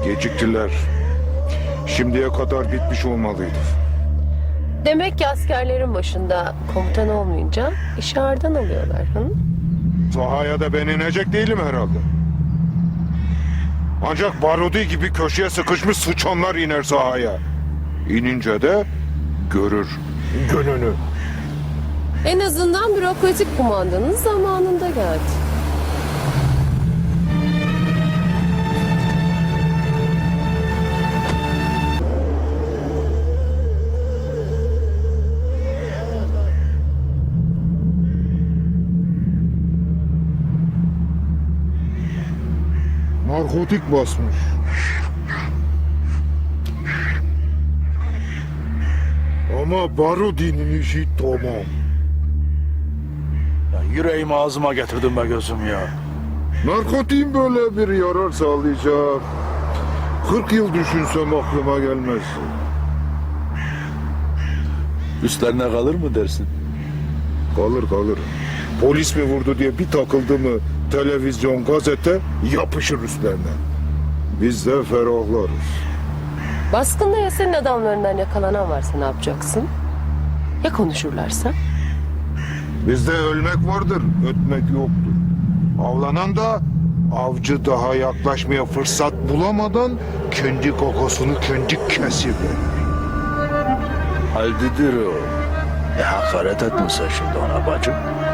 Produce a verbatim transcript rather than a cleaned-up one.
Geciktiler. Şimdiye kadar bitmiş olmalıydı. Demek ki askerlerin başında komutan olmayınca işi ağırdan alıyorlar. Hı? Sahaya da ben inecek değilim herhalde. Ancak Barudi gibi köşeye sıkışmış sıçanlar iner sahaya. İnince de görür gününü. En azından bürokratik kumandanın zamanında geldi. Narkotik basmış. Ama Barudi'nin işi tamam. Ya yüreğimi ağzıma getirdim be gözüm ya. Narkotiğin böyle bir yarar sağlayacak. Kırk yıl düşünsem aklıma gelmez. Üstlerine kalır mı dersin? Kalır kalır. Polis mi vurdu diye bir takıldı mı televizyon, gazete yapışır üstlerine. Biz de ferahlarız. Baskında ya senin adamlarından yakalanan varsa ne yapacaksın? Ya konuşurlarsa? Bizde ölmek vardır, ötmek yoktur. Avlanan da avcı daha yaklaşmaya fırsat bulamadan kendi kokusunu kendi kesiverir. Haldidir o. E hakaret etmişsin şimdi ona bacım.